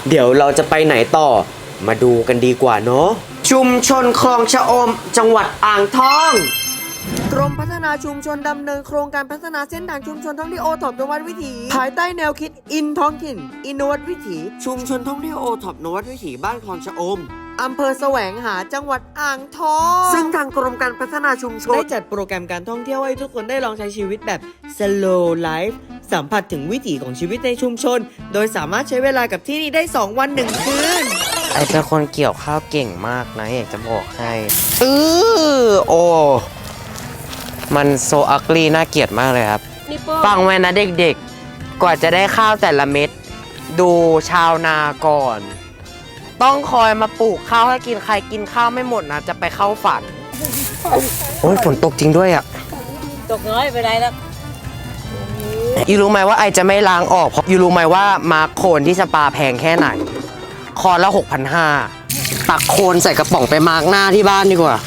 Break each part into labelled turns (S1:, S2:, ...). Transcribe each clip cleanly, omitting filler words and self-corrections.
S1: เดี๋ยวเราจะไปไหนต่อมาดูกันดีกว่าเนาะชุมชนคลองชะอมจังหวัดอ่างทองกรมพัฒนาชุมชนดำเนินโครงการพัฒนาเส้นทางชุมชนท่องเที่ยวโอท็อปนวัดวิถีภายใต้แนวคิดอินท้องถิ่นอินนวัดวิถีชุมชนท่องเที่ยวโอท็อปนวัดวิถีบ้านคลองชะอมอำเภอแสวงหาจังหวัดอ่างทองซึ่งทางกรมการพัฒนาชุมชนได้จัดโปรแกรมการท่องเที่ยวให้ทุกคนได้ลองใช้ชีวิตแบบ slow life สัมผัสถึงวิถีของชีวิตในชุมชนโดยสามารถใช้เวลากับที่นี่ได้2 วัน 1 คืนไอเป็นคนเกี่ยวข้าวเก่งมากนะอยากจะบอกให้โอ้มันโซอักลีน่าเกลียดมากเลยครับฟังไว้นะเด็กๆกว่าจะได้ข้าวแต่ละเม็ดดูชาวนาก่อนต้องคอยมาปลูกข้าวให้กินใครกินข้าวไม่หมดนะจะไปเข้าฝันโอ้ยฝนตกจริงด้วยอ่ะ
S2: ตกน้อยไปไหนแล้ว
S1: ยูรู้ไหมว่าไอจะไม่ล้างออกเพราะยูรู้ไหมว่ามาร์คโคนที่สปาแพงแค่ไหนคอละ 6,500 ตักโคนใส่กระป๋องไปมาร์คหน้าที่บ้านดีกว่า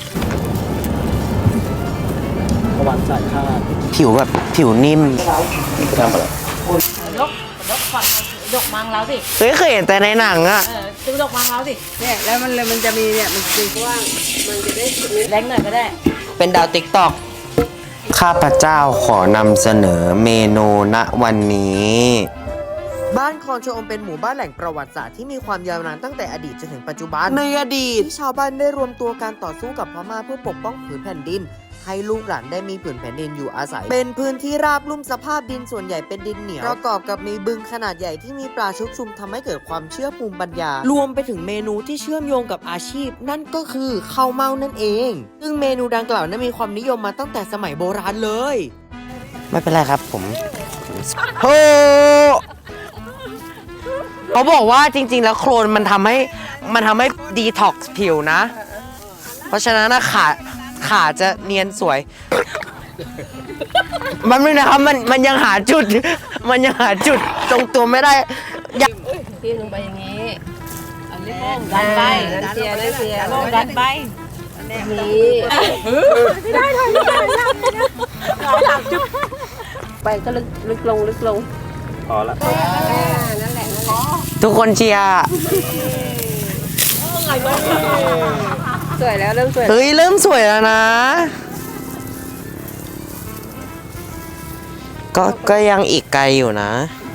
S3: ประวัติศาสตร์ค่า
S1: ผิวแบบผิวนิ่ม
S3: ทำอะไร
S2: ยกฟันยกมังเราสิ
S1: เคยเห็นแต่ในหนังอะ
S2: จะยกมังเราสิ
S4: เนี่ยแล้วมันจะมีเนี่ยมันคือว่ามันจะได้
S2: แรงหน่อยก็ได้
S1: เป็นดาวติ๊กตอกข้าพเจ้าขอนำเสนอเมนูณวันนี้บ้านคลองชะอมเป็นหมู่บ้านแหล่งประวัติศาสตร์ที่มีความยาวนานตั้งแต่อดีตจนถึงปัจจุบันในอดีตที่ชาวบ้านได้รวมตัวการต่อสู้กับพม่าเพื่อปกป้องผืนแผ่นดินให้ลูกหลานได้มีผืนแผ่นดินอยู่อาศัยเป็นพื้นที่ราบลุ่มสภาพดินส่วนใหญ่เป็นดินเหนียวประกอบกับมีบึงขนาดใหญ่ที่มีปลาชุกชุมทำให้เกิดความเชื่อภูมิปัญญารวมไปถึงเมนูที่เชื่อมโยงกับอาชีพนั่นก็คือข้าวเม่านั่นเองซึ่งเมนูดังกล่าวนั้นมีความนิยมมาตั้งแต่สมัยโบราณเลยไม่เป็นไรครับผมโอ้เขาบอกว่าจริงๆแล้วโคลนมันทำให้ดีท็อกซ์ผิวนะเพราะฉะนั้นนะขาจะเนียนสวยมันไม่นะครับมันยังหาจุดตรงตัวไม่ได้
S2: ที่ลงไปอย่างนี้ดันไปดันเสียดันไปนี่ไม่ได้จุ๊บไปก็ลึกลง
S3: พอละ
S2: นั่นแหละ
S1: ทุกคนเชียร์
S2: สวยแล้วเริ่มสวย
S1: เฮ้ยเริ่มสวยแล้วนะก็ยังอีกไกลอยู่นะ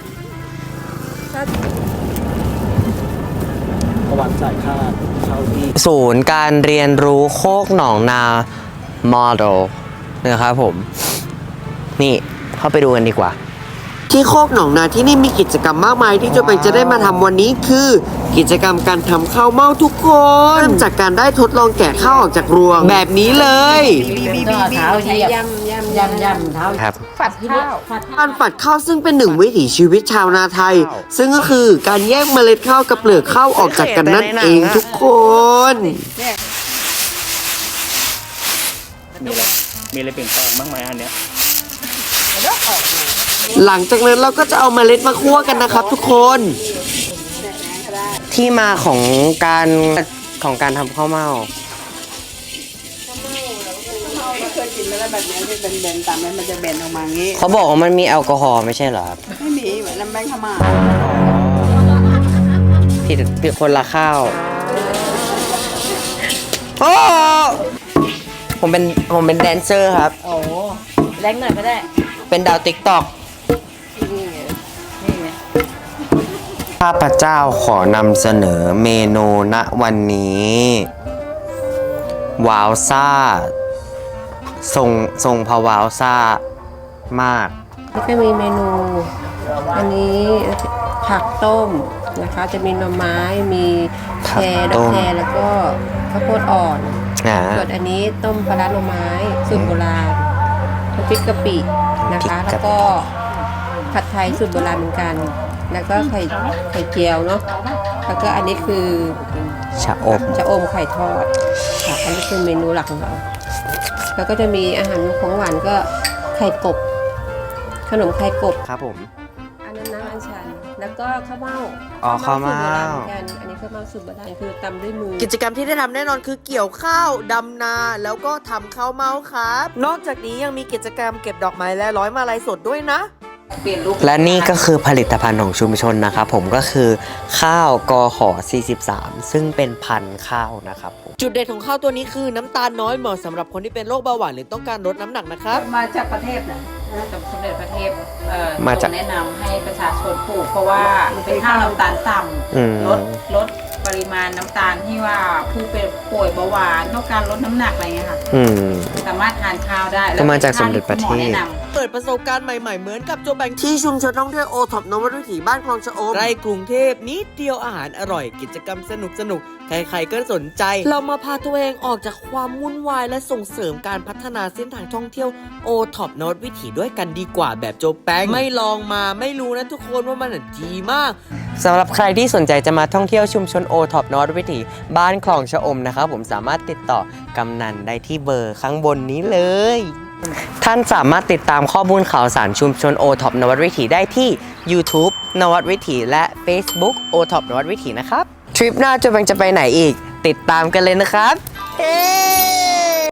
S3: ประวัติศาสตร์ค่าเช่าที่
S1: ศูนย์การเรียนรู้โคกหนองนาโมเดลนะครับผมนี่เข้าไปดูกันดีกว่าที่โคกหนองนาที่นี่มีกิจกรรมมากมายที่จะได้มาทำวันนี้คือกิจกรรมการทำข้าวเม่าทุกคนเริ่มจากการได้ทดลองแกะข้าวออกจากรวงแบบนี้เลย
S2: เท้าใช้ยำเท้า
S1: ครับ
S2: ฝัดข้าว
S1: การฝัดข้าวซึ่งเป็นหนึ่งวิถีชีวิตชาวนาไทยซึ่งก็คือการแยกเมล็ดข้าวกับเปลือกข้าวออกจากกันนั่นเองทุกคน
S3: มีอะไรเปลี่ยนแปลงบ้างไหมอันเนี้ย
S1: หลังจากนั้นเราก็จะเอาเมล็ดมาคั่วกันนะครับทุกคนที่มาของการทำข้าวเม่า
S4: เคยกินแล้วแบบนี้ที่เป็นเบนตามนั้นมันจะเบนออกมางี้
S1: เขาบอกว่ามันมีแอลกอฮอล์ไม่ใช่เหรอครับ
S4: ไม่มีเหมือนน้ำแบงค์ขม่า
S1: ผิดคนละข้าวโอ้ผมเป็นแดนเซอร์ครับ
S2: โอ้แรงหน่อยก็ได้
S1: เป็นดาวติ๊กตอกข้าพเจ้าขอนำเสนอเมนูณวันนี้ว้าวซ่าทรงพะว้าวซ่ามาก
S2: แล้วก็มีเมนูอันนี้ผักต้มนะคะจะมีหน่อไม้มีแครแล้วก็ข้าวโพดอ่อนส่วนอันนี้ต้มปลาร้าหน่อไม้สูตรโบราณน้ำพริกกะปินะคะแล้วก็ผัดไทยสูตรโบราณเหมือนกันแล้วก็ไข่เจียวเนาะแล้วก็อันนี้คือ
S1: ชะอม
S2: ไข่ทอดค่ะอันนี้คือเมนูหลักของเราแล้วก็จะมีอาหารของหวานก็ไข่กบขนมไข่กบ
S1: ครับผม
S2: อันนั้นน้ำอัญชันแล้วก็ข้าวเม่า
S1: ข้าวเม่า
S2: อันนี้ข้าวเม่าสูตรโบราณคือตำด้วยมือ
S1: กิจกรรมที่ได้ทำแน่นอนคือเกี่ยวข้าวดำนาแล้วก็ทำข้าวเม่าครับนอกจากนี้ยังมีกิจกรรมเก็บดอกไม้และร้อยมาลัยสดด้วยนะ
S5: เปลี่ยนรูป
S1: และนี่ก็คือผลิตภัณฑ์ของชุมชนนะครับผมก็คือข้าวกข43ซึ่งเป็นพันธุ์ข้าวนะครับผมจุดเด่นของข้าวตัวนี้คือน้ำตาลน้อยเหมาะสำหรับคนที่เป็นโรคเบาหวานหรือต้องการลดน้ำหนักนะครับ
S5: มาจากประเทศนะจากสมเด็จพระเทพ
S1: มาจาก
S5: แนะนำให้ประชาชนปลูกเพราะว่าเป็นข้าวน้ำตาลต่ำลดปริมาณน้ำตาลที่ว่าผู้เป็นป่วยเบาหวานต้องการลดน้ำหนักอะไรเงี้ยค่ะสามารถทานข้าวได้
S1: ก็มาจากสมเด็จพระเทพ
S5: แนะน
S1: เปิดประสบการณ์ใหม่ๆเหมือนกับโจแบงที่ชุมชนท่องเที่ยวโอท็อปนวัดวิถีบ้านคลองชะอมใกล้กรุงเทพนิดเดียวอาหารอร่อยกิจกรรมสนุกๆใครๆก็สนใจเรามาพาตัวเองออกจากความวุ่นวายและส่งเสริมการพัฒนาเส้นทางท่องเที่ยวโอท็อปนวัดวิถีด้วยกันดีกว่าแบบโจแบงไม่ลองมาไม่รู้นะทุกคนว่ามันดีมากสำหรับใครที่สนใจจะมาท่องเที่ยวชุมชนโอท็อปนวัดวิถีบ้านคลองชะอมนะครับผมสามารถติดต่อกำนันได้ที่เบอร์ข้างบนนี้เลยท่านสามารถติดตามข้อมูลข่าวสารชุมชนโอท็อปนวัดวิถีได้ที่ YouTube นวัดวิถีและ Facebook โอท็อปนวัดวิถีนะครับทริปหน้าจะไปไหนอีกติดตามกันเลยนะครับ